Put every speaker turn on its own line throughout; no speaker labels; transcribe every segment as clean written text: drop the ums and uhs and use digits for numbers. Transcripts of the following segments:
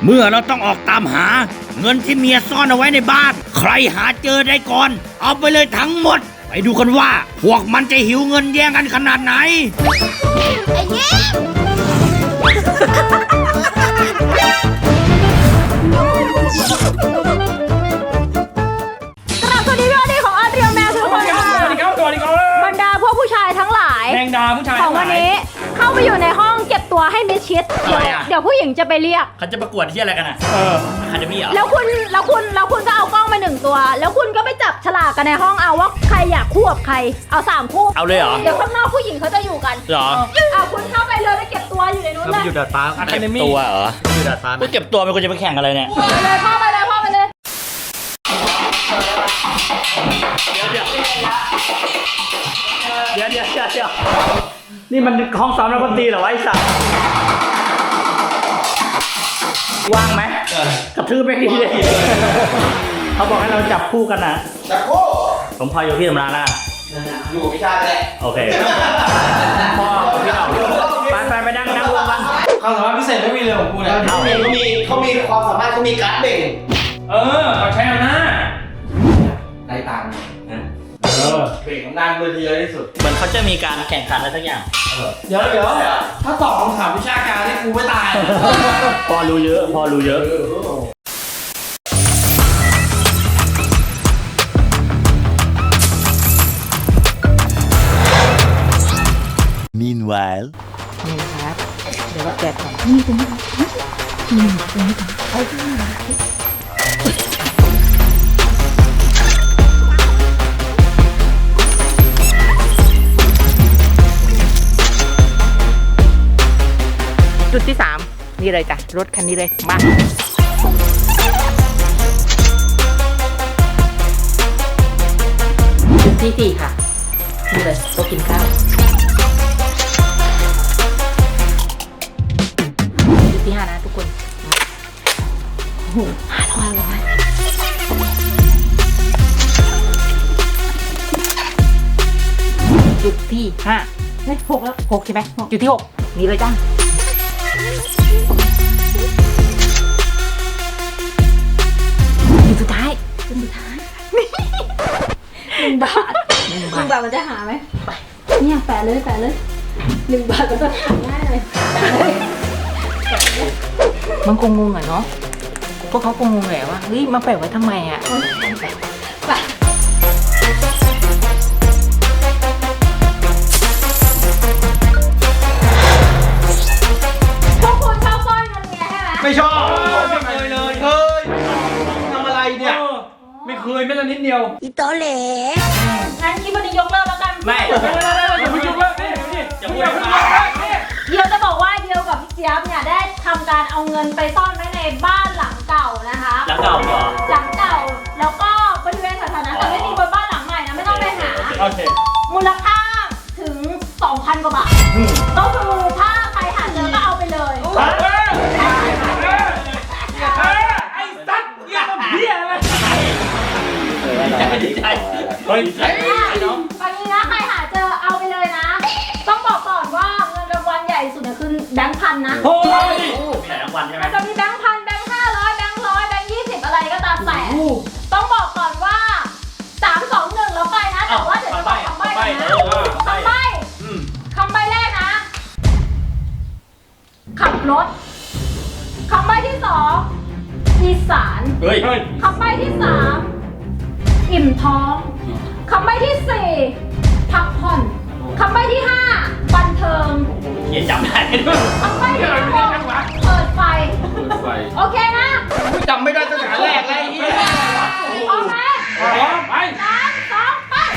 เมื่อเราต้องออกตามหาเงินที่เมียซ่อนเอาไว้ในบ้านใครหาเจอได้ก่อนเอาไปเลยทั้งหมดไปดูกันว่าพวกมันจะหิวเงินแย่งกันขนาดไหน
ไอ้เงี้ยสวัสดีพี่ของอาเรียลแมวทุกคนค่ะ
สวัสดีครับ
บรรดาพวกผู้ชายทั้งหลาย
แมงดาผู้ชาย
ของวันนี้เข้าไปอยู่ในห้องเก็บตัวให้มิดชิดเดี๋ยวผู้หญิงจะไปเรียก
เขาจะประกวดที่อะไรกันอ่ะคาเดมี่เหรอ
แล้วคุณก็เอากล้องมา1 ตัวแล้วคุณก็ไปจับฉลากกันในห้องเอาว่าใครอยากคู่กับใครเอา3 คู่
เอาเลยเหรอ
เดี๋ยวข้างนอกผู้หญิงเขาจะอยู่กัน
เหรอ
คุณเข้าไปเลยไปเก็บตัวอยู่ในนู้นเลย
อยู่ดาดฟ้า
เก็บตัวเหรอ
อยู่ดาดฟ้า
กูเก็บตัวเป็นคนจะไปแข่งอะไรเนี่ย
ไปเลยพ่อไปเลย
เดี๋ยวนี่มันห้องซ้อมนักดนตรีเหรอวะไอ้สัสว่างไหมกระทืบไม่ดีเลยเขาบอกให้เราจับคู่กันนะ
จับคู่
ผมพออยู่พี่ธรรมดาละ
อยู่พิชาแหละ
โอเคพ่อพี่เราไปนั่งวงกัน
ความสามารถพิเศษไม่มีเลยของกูเนี่ยเขามีความสามารถเขามีการ์ดเบ่ง
เขาใช้อำนาจ
ได้ตังค์เบ่งอำนาจเบอร์ที่เยอะที่สุด
เหมือนเขาจะมีการแข่งขันอะไรสักอย่าง
เดี๋ยวถ้าตอบคำถามวิชาการนี่กูไม่ตาย
พอรู้เยอะ
Meanwhile
นี่นะครับเดี๋ยวแกะก่อนนี่ตรงนี้ตรงนี้เอาที่นี่
จุดที่3นี่เลยจ้ะรถคันนี้เลยมาจุดที่4ค่ะนี่เลยโต๊ะกินข้าวจุดที่5นะทุกคน500จุดที่5ไม่6แล้ว6ใช่ไหมจุดที่6นี่เลยจ้าสุดท้าย
1 บาทมันจะหาไหมไปเนี่ยแปะเลย1 บาทก็จะหาง่ายเลย
มันคงงงเนาะพวกเขาคงงงแหละว่าเฮ้ยมาแปะไว้ทำไมอ่ะ
ไป
ไม่ชอบไม่เคยเลยทำอะไรเนี่ย
ไม่เคยแม้แต่นิดเดียว
อีโตเหล่งั้นคลิปวันนี้ยกเลิกแล้วกัน
ไม่
อย่าพูดว่านี่
เดียวจะบอกว่าเดียวกับพี่เจี๊ยบเนี่ยได้ทำการเอาเงินไปซ่อนไว้ในบ้านหลังเก่านะคะ
หลังเก่าเหรอ
หลังเก่าแล้วก็บริเวณสาธารณะแต่ไม่มีบนบ้านหลังใหม่นะไม่ต้องไปหามูลค่าถึง 2,000 กว่าบาทก็คือถ้าใครหาเจอก็เอาไปเลย
ไอ้สัตว์เงี้ยมันเบี้ยอะไร
เฮ้ย
น้องตอนนี้นะใครหาเจอเอาไปเลยนะต้องบอกก่อนว่าเงินรางวัลใหญ่สุดเนี่ยคือแบงค์พันนะ
โอ้ยมีหลายรางวัลใช่ไหม
มันจะมีแบงค์พันแบงค์500แบงค์100แบงค์20อะไรก็ตามแต่ต้องบอกก่อนว่า3 2 1แล้วไปนะแต่ว่าเดี๋ยวจะบอกคำใบ้นะคำใบ้แรกนะขับรถคำใบ้ที่2อีสานคำใบ้ที่3อิ่มท้องคำใบ้ที่4พักผ่อนคำใบ้ที่5บันเทิง
เขียนจำได้
คำใบ้ที่6เปิดไฟโอเคนะ
จำไม่ได้ตั้งแต่แรกเลย
พร้อมไหม
ไป
3 2 ไป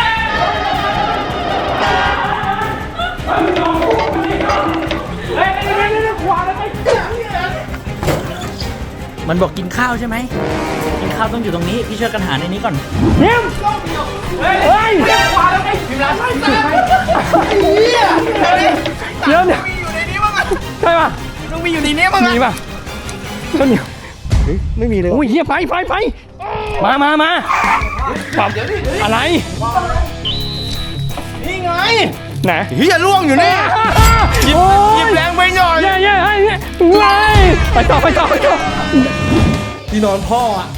มันบอกกินข้าวใช่ไหมกินข้าวต้องอยู่ตรงนี้พี่ช่วยกันหาในนี้ก่อน
เนี่ยเฮ้ยขวาแล้วไงถึงร้านไส้เดี๋ยวใช่ป่ะ
ต้องมีอยู่ในนี้มั้ง
มีป่ะต้นเหนียวไม่มีเลยโอ้ยเฮียไปมาปรับอะไร
นี่ไง
ไหน
เฮียล่วงอยู่นี่หยิบแรงไปหน่อย
เย้ไปต่อ
ที่นอนพ่ออ่ะ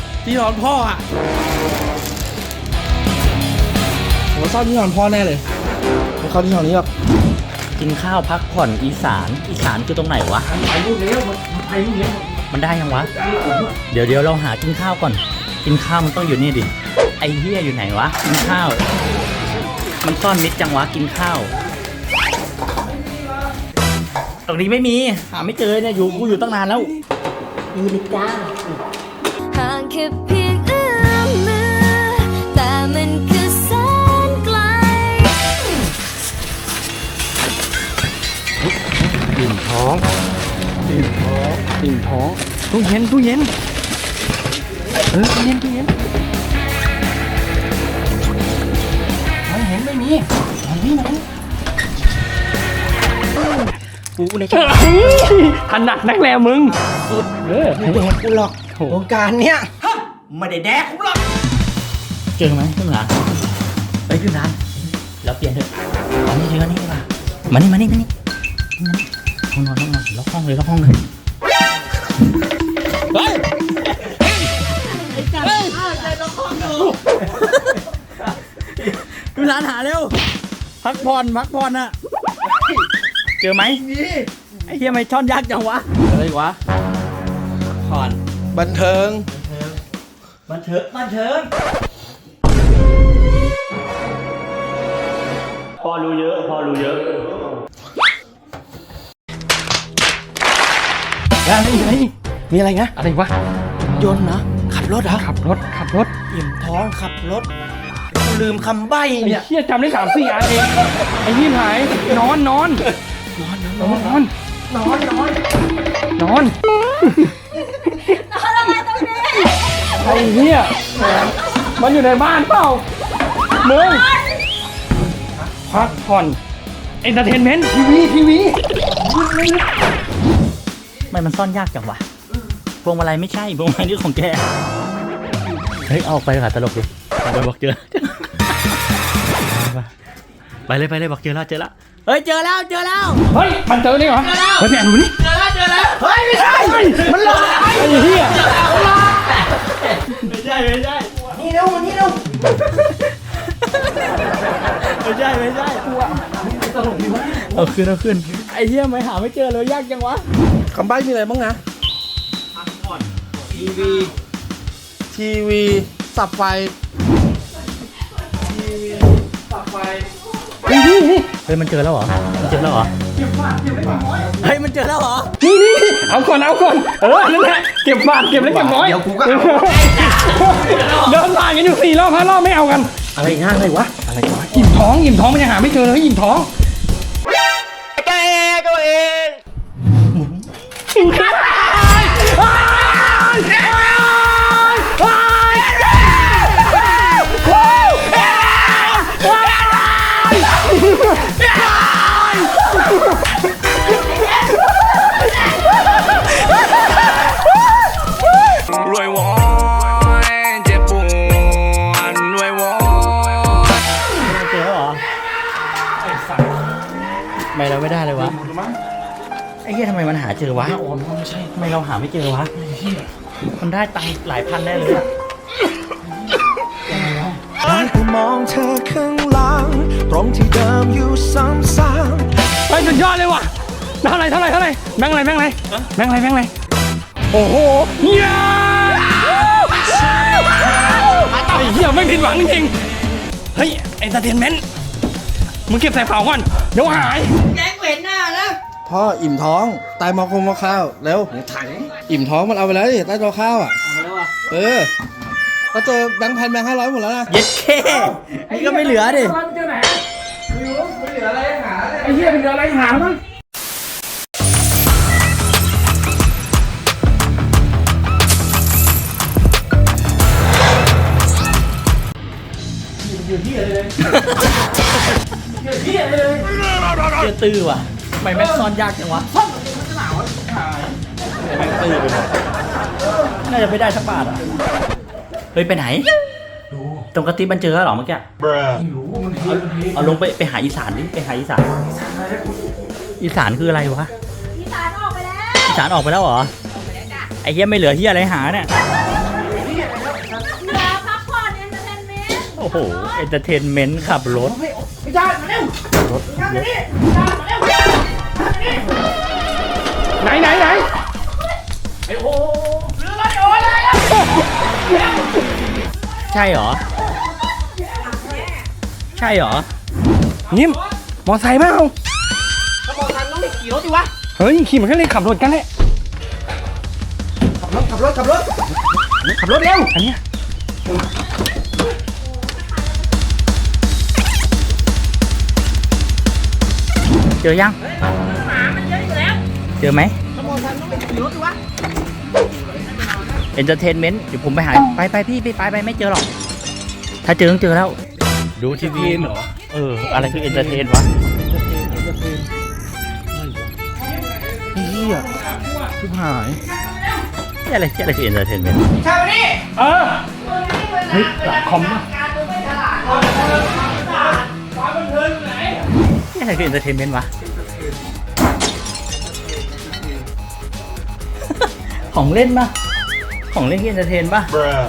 ผมซ่อนที่นอนพ่อแน่เลยไม่เข้าที่นอนนี้หรอก
กินข้าวพักผ่อนอีสานคือตรงไหนวะมันได้ยังวะเดี๋ยวเราหากินข้าวก่อนกินข้าวมันต้องอยู่นี่ดิไอ้เหี้ยอยู่ไหนวะกินข้าวมันซ่อนมิดจังวะกินข้าวตรงนี้ไม่มีหาไม่เจอเนี่ยกูอยู่ตั้งนานแล้วอยู่ในจ้า
ห่างแค่เพียงเอื้อมมือแต่มันคือแสนไกล
อิ่มท้องตู้เย็นตู้เย็นไม่มี
กูใน
ถนัดนักแลมึง
ไม่แดกกูหรอกวงการเนี้ย
ไม่ได้แดกกูหรอกเจอไหมขึ้นร้านไปขึ้นร้านแล้วเปลี่ยนเถอะอันนี้ดีกว่านี่ดีกว่ามานี่ห้องนอนล็อกห้องเลยเฮ้ยขึ้นร้านหาเร็วพักผ่อนอะเจอไหมไอ้เหี้ยไม่ช่อนยากจังวะอะไรวะผ่อน
บันเทิง
พอรู้เยอะ
มีอะไรนะ
อะไรวะ
ยนต์นะขับรถเหรอ
ขับรถ
อิ่มท้องขับรถกูลืมคำใบ้
ไอ้
เนี่ย
เหี้ยจำได้3-4 อันเองไอ้นี่หายนอนไอ้เหี้ยมันอยู่ในบ้านเปล่ามึงพักผ่อนเอนเตอร์เทนเมนต์ทีวี
ไม่มันซ่อนยากจังวะพวงมาลัยไม่ใช่พวงมาลัยนี่ของแกเฮ้ยเอาไปค่ะตลกดิเอาไปบอกเจอไปเลยบอกเจอแล้วเฮ้ยเจอแล้ว
เฮ้ยมันเจอนี่เหรอเฮ้ยแม่ดูนี่เจอแล้วเฮ้ยไม่ใช่มันหลอกไอ้เหี้ย
ไม่ใช่
นี่เร็วมานี่เร็ว
ไม่ใช่เอาขึ้นไอ้เหี้ยไม่หาไม่เจอเลยยากจังวะ
คำใบ้มีอะไรบ้างนะทีวีสับไฟ
เฮ้ยมันเจอแล้วเหรอเฮ้ยมันเจอแล้วเหรอ
นี่เอาก่อนนั่นแหละเก็บเล็กเก็บน้อย
เดี๋ยวกูก็เอา
เดินผ่านกันอยู่4 รอบ 5 รอบไม่เอากัน
อะไรง่ายเลยวะ
อิ่มท้องมันยังหาไม่เจอเลยอิ่มท้อง
รวยวอนเจ็บปวดรวยวอน
เจอแล้วเหรอทำไมเราไม่ได้เลยวะไอ้เหี้ยทำไมมันหาเจอวะทำไมเราหาไม่เจอวะมันได้ตังค์หลายพันแน่เลยอะ
ได้แต่มองเธอข้างหลังตรงที่เดิมอยู่ซ้ำ
ไปสุดยอดเลยว่ะเท่าไหร่แบงค์อะไรโอ้โหเหี้ยไอ้เหี้ยไม่ผิดหวังจริงๆเฮ้ยเอนเตอร์เทนเมนต์มึงเก็บใส่เป๋าก่อนเดี๋ยวหาย
พ่ออิ่มท้องตายมาข้าวเร็วอิ่มท้องมันเอาไปแล้วดิใต้โต๊ะข้าวอ่ะก็เจอแบงค์พันแบงค์500หมดแล้วนะ
เย็ดเคนี่ก็ไม่เหลือดิ
ไอ้เหี้ยเป็นอะไรหามั้ง
เจอตื้อว่ะทำไมแม็กซ่อนยากจังวะแม็กตื้อไปหมดน่าจะไม่ได้สักบาทอ่ะเฮ้ยไปไหนตรงกระติบมันเจอแล้วเหรอเมื่อกี้เอาลงไปหาอีสานดิไปหาอีสานอีสานคืออะไรวะ
อีสานออกไปแล้ว
อีสานออกไปแล้วเหรอไอ้เหี้ยไม่เหลือเหี้ยอะไรหาเนี่ย
เหลือพักผ่อนเอนเตอร์เทนเมนต์
โอ้โหเอนเตอร์เทนเมนต์ขับรถ
ไหน
ใช่เหรอใช่เหรอ
นิ่มมอไซค์เปล่าถ้ามอไซค์ต้องไปขี่รถดิวะเฮ้ยขี่มันก็เลยขับรถกันแหละขับรถเร็วอันเนี้ย
เจอยังเจอไหมเอนเตอร์เทนเมนต์เดี๋ยวผมไปหาไปพี่ไปไม่เจอหรอกถ้าเจอต้องเจอแล้วดูทีวีเหรออะไรคือเอนเตอร์เทนวะ
เฮียชิบหาย
อะไรคือเอนเตอร์เทนเมนต์
เออเฮ้ยหลักคอมป่ะ
อะไรคือเอนเตอร์เทนเมนต์วะ ของเล่นปะของเล่นที่เอนเตอร์เทนปะ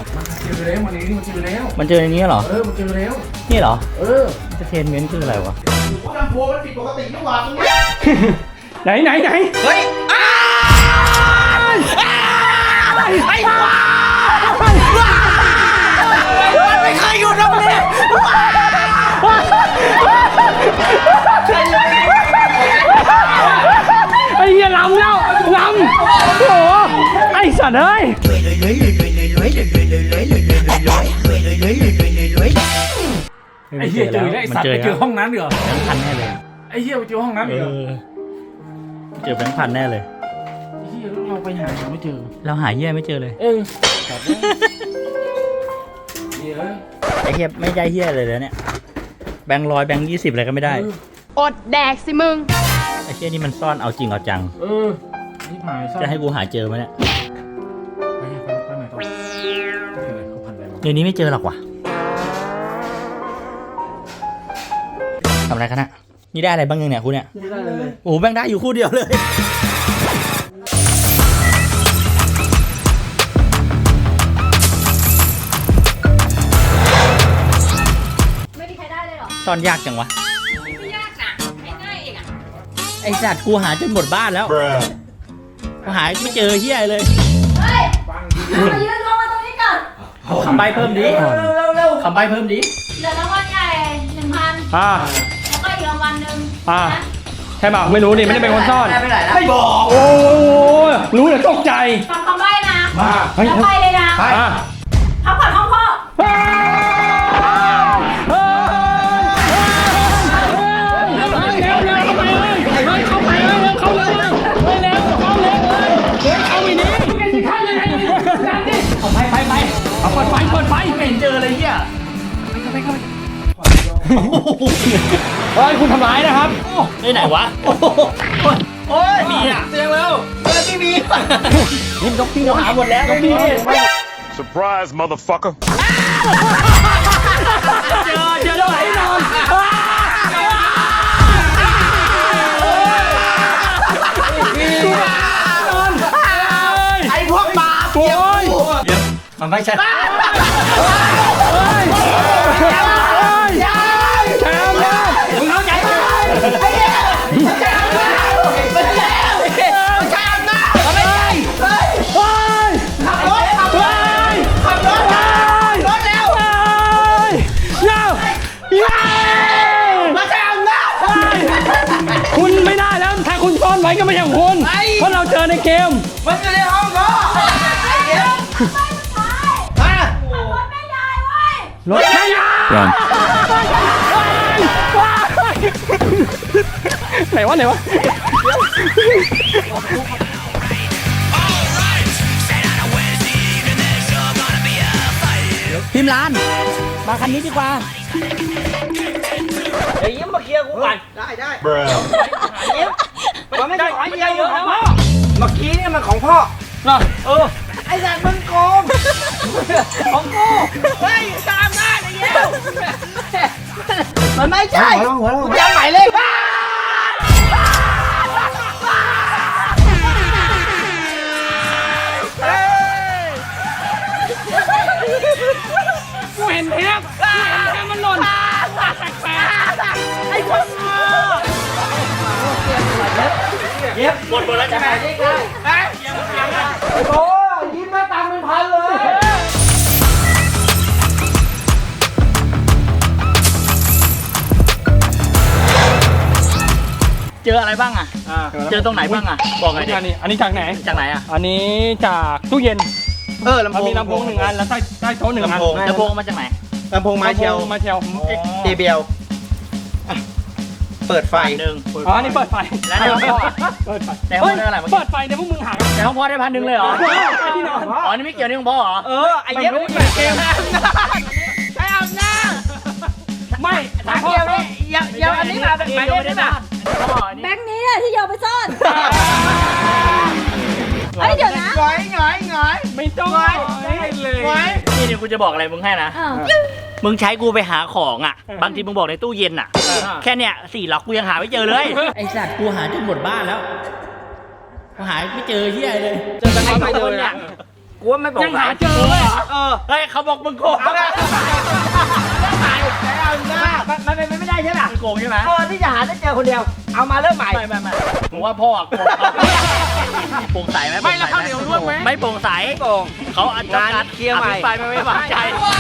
มันเจอในนี้เหรอ
มันเจอแล้ว
นี่เหรอ เอนเตอร์เทนเมนต์คืออะไรวะ
ลำโพงมันผิดปกตินี่หว่าตรงนี้
ไหนเฮ้ยไม่เคยอยู่ตรงนี้ไอ้เหี้ยลำโอ้โหไอ้สัตว์เอ้ย
ไอ้เหี้ยเจอแล้วมันเจอห้องนั้นเหรอแบงค์พันแน่เลย
ไอ้เหี้ยไปเจอห้องนั้นเหรอ
เจอแบงค์พันแน่เลย
เหี้ยเราไปหาไม่เจอ
เราหาเหี้ยไม่เจอเลย ไอ้เหี้ยไม่ได้เหี้ยเลยแล้วเนี่ยแบงค์100แบงค์20อะไรก็ไม่ได้
อดแดกสิมึง
ไอ้เหี้ยนี่มันซ่อนเอาจริงเอาจัง
นี่หาย
จะให้กูหาเจอไหมเนี่ย
ไปไหนต่อเขาพันอะไรมา
เดี๋ยวนี้ไม่เจอหรอกว่ะทำอะไรกันนะนี่ได้อะไรบ้างยังเนี่ยคุณเนี่ยไม่ได้เลยโอ้โหแบงค์ได้อยู่คู่เดียวเลย
ไม่มีใครได้เลยเหรอ
ซ่อนยากจังวะ
ไม่ยากนะง่ายๆเองอ่ะ
ไอ้สัตว์กูหาจนหมดบ้านแล้วกูหาไม่เจอเหี้ยเลย
เฮ้ยมายืนรวมมาตรงนี้ก่อน
คำใบเพิ่มดิคำใบเพิ่มดิ
เหลือรางวัลใหญ่ 1,000 แล้วก็อีกรางวัลหนึ่งนะ
ใช่ป่ะไม่รู้ดิไม่ได้เป็นคนซ่อน
ไม่บอก
โอ้รู้แต่ตกใจ
ฟังคำใบ้นะ
เฮ้ย
แล้วไปเลยนะพักผ่อนห้องพ่อ
เอาเปิดไฟไม่เจอเลยเหี้ยเฮ้ยคุณทำร้ายนะครับ
ได้ไหนวะโอ้ยมีอ่ะเสียงแล้วไม่มีนี่นกพี่หาหมดแล้วนกพี่
Surprise, motherfucker.
เจอแล้วไหนนอนไอ้พวกบาปโอ้ย
มันไม่ใช่
แชมป์มึงเข้าใจไหมแชมป์นะไม่ใช่ขับรถเร็วมาแชมป์นะคุณไม่ได้แล้วถ้าคุณซ่อนไว้ก็ไม่ใช่ของคุณเพราะเราเจอในเกมมันอยู่ในห้องเขารถไม่ยาวไหนวะ
พิมพ์ร้านมาคันนี้ดีกว่า
เดี๋ยวยิ้มมาเคลียร์กูก่อน
Bruh.
มันไม่ใช่ของเยอะเยอะแล้ว
เมื่อกี้เนี่ยมันของพ่อ
ไอ้สัตว์มึงโกงของกูเฮ้ยตามหน้าไอ้เหี้ย
มันไม่ใช่
หัวเรา
จำหมายเลข
กูเห็นเทปมันหล่นแปลก
ไอ้คนเย็บหมดแล้วใช่ไหม
โอ้ยยิ้มมาตังเป็นพันเลย
เจออะไรบ้างอ่ะ เจอตรงไหนบ้างอ่ะ บอกหน่อยดิ
อันนี้จากไหน
จากไหนอ่ะ
อันนี้จากตู้เย็น
ลำ
มัน
โพง
มีลำโพง1 อันแล้วใต้โต๊ะ1 อัน
แล้วโพงมาจากไหน
ลำโพงมาเชล
มาเชล
JBL เปิดไฟ
หนึ่ง
อ๋อนี่เปิดไฟ
แล้วในห้องพ่อ
เปิดไฟ
ในห้องได้อะไรเมื่อกี้
เปิดไฟเนี่ยพวกมึงหา
ในห้องพ่อได้1,000เลยเหรอ
ที่นอน
อ๋อ นี่ไม่เกี่ยวนี่ของพ่อเหรอ
ไอ้เย็บไม่รู้เกม
ไอ้อำนาจ
ไม่
ถามเกี่ยวนี่เดี๋ยวอันนี้มาเป็นหมายเลขได้ป่ะพ่ออันนี้
แบงค์นี้เนี่ยที่โยนไปซ่อนเอ้ยเดี๋ยวนะ
ไม่ต้องเลย
นี่กูจะบอกอะไรมึงให้นะ
อ้าว
มึงใช้กูไปหาของอ่ะ บางทีมึงบอกในตู้เย็นอ่ะ แค่เนี้ย4 ล็อกกูยังหาไม่เจอเลย ไอสัตว์กูหาจนหมดบ้านแล้วกูหาไม่เจอเฮียเลย
เจอกันไม่เจอเนี่ย
กูว่าไม่บอก
ยังหาเจอเลย
เฮ้ยเขาบอกมึงโกงมันเป็นไม่ได้ใช่ไหมมึงโกงใช่ไหมที่จะหาได้เจอคนเดียว เอามาเริ่มใหม่ไม่ผมว่าพ่อโกงโปร่งใสไหม
ไม่แล้วข้าวเหนียวร่วงไหม
ไม่โปร่งใสเขาอันการเคลียร์ใหม่ไปไม่วางใจ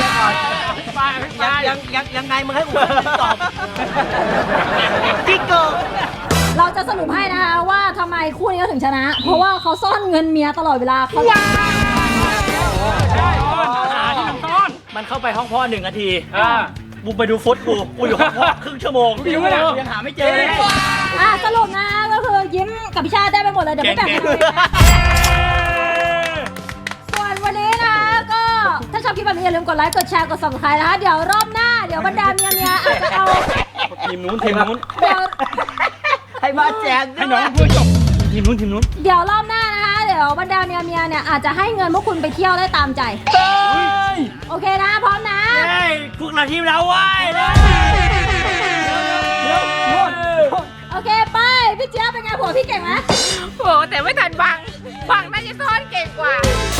ยังไงมึงให้กูตอบ
กิ๊กโกง
เราจะสรุปให้นะคะว่าทำไมคู่นี้เขาถึงชนะ เพราะว่าเขาซ่อนเงินเมียตลอดเวลาเขา
หาที่น้ำต้น
มันเข้าไปห้องพ่อ1 นาทีกูไปดูฟุตกูอยู่ห้องพ่อครึ่งชั่วโมงยังหาไม่เจอเลย
สรุปนะก็คือยิ้มกับพี่ชาติได้ไปหมดเลยเดี๋ยวไม่แบ่งให้เราเลยนะส่วนวันนี้นะก็ถ้าชอบคลิปแบบนี้อย่าลืมกดไลค์กดแชร์กด subscribe นะคะเดี๋ยวรอบหน้าเดี๋ยวบรรดาเมียอาจจะเอา
ทีมนู้น
เดี๋ยว
ให้มาแจก
ให้น้องพูดจบทีมนู้น
เดี๋ยวรอบหน้านะคะเดี๋ยวบรรดาเมียเนี่ยอาจจะให้เงินพวกคุณไปเที่ยวได้ตามใจ โอเคนะพร้อมนะ
พวกเราทีมเราไว้เลย
โอเคไปพี่เจี๊ยบเป็นไงผัวพี่เก่งไหม
โอ้แต่ไม่ทันบังน่าจะซ่อนเก่งกว่า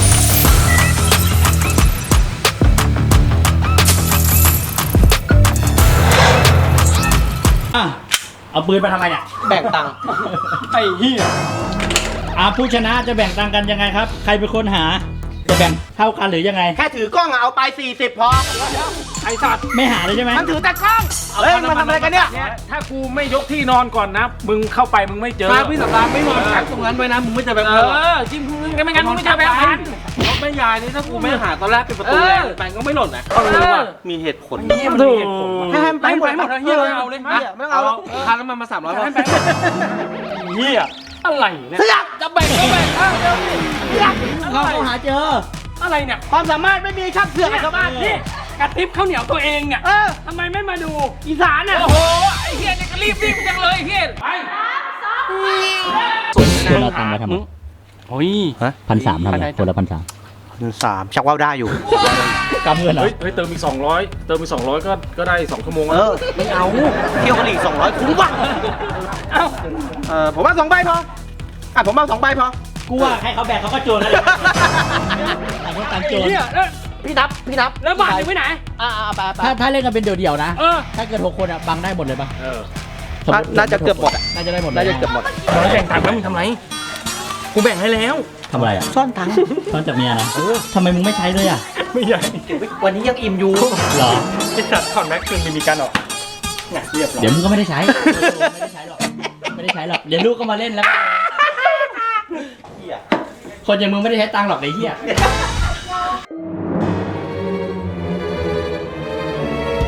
เอาปืนไปทำไมเนี่ย
แบ่งตังค์
ไอ้เหี้ย
ผู้ชนะจะแบ่งตังกันยังไงครับ ใครเป็นคนหา จะแบ่งเท่ากันหรือยังไง
แค่ถือกล้องเอาไป40พอ
ไอ้สัตว์
ไม่หาเลยใช่ไหม
มันถือแต่กล้อง เฮ้ยมันทำอะไรกันเนี่ย
ถ้ากูไม่ยกที่นอนก่อนนะ มึงเข้าไปมึงไม่เจอ
ถ้าพี่สัปดาห์ไม่นอนแข็งตรงนั้นไว้นะ มึงไม่จะแบบ
จิ้มมึงไม่งั้นมึงไม่เจอแบงค์พัน
รถไม่ยายนี่ถ้ากูไม่หาตอนแรกเป็นประตูแรงแบงก็ไม่หล่นนะมีเหตุผล
ถูก
ให้ไปหมดเฮีย
เอาเลย
ไม่เอาค่าน้ำมันมา300บาท
เหี้ยอะไรเนี่ย
จะแบ่งก็แบ่งเราหาเจอ
อะไรเนี่ย
ความสามารถไม่มีช่างเสือกกับชาวบ้าน
นี่กระติบข้าวเหนียวตัวเองเนี่ยทำไมไม่มาดูอีสานอ่ะโอ้โหไอ้เฮียเนี่ยก็รีบจังเลยเฮียไป
คนเราตังค์มาทำไม
โอ้ย
1,300ทำไมคนละ1,300
3ชักว่าวได้อยู่
กำเงินเหรอ
เฮ้ยเติมอีก200ก็ได้2 ชั่วโมง
ไม่เอาเที่ยวกันอีก200คุ้มป่ะ
เอ้า
ผมว่า2ใบพอผมเอา2ใบพอ
กูว่าให้เขาแบ่งเขาก็โจรแล้วต่างคนต่างโจร
เนี่ยแล้ว
พี่นับ
แล้วบาทอยู่ไว้ไหน
ถ้าเล่นกันเป็นเดี่ยวๆนะ ถ้าเกิด6 คนอ่ะบังได้หมดเลยป่ะสมมุติ
น่าจะเกือบหมดอ่ะ
น่าจะได้หมดเลย
น่าจะเกือบหมด
เราแบ่งตังค์แล้วมึงทำไรกูแบ่งให้แล้ว
ทำอะไรอ่ะ
ซ่อนตังค์
ซ่อนจากเมียนะทำไมมึงไม่ใช้เลยอ่ะ
ไม่ใหญ่
วันนี้ยังอิ่มอยู่
เหรอ
ไอ้สัตว์ถอนแม็กซ์คืนมีการออกเนี่ยเรียบร้อย
เดี๋ยวมึงก็ไม่ได้ใช้ ไม่ได้ใช้หรอก ไม่ได้ใช้หรอก เดี๋ยวลูกก็มาเล่นแล้ว คนอย่างมึงไม่ได้ใช้ตังค์หรอกไอ้เหี้ย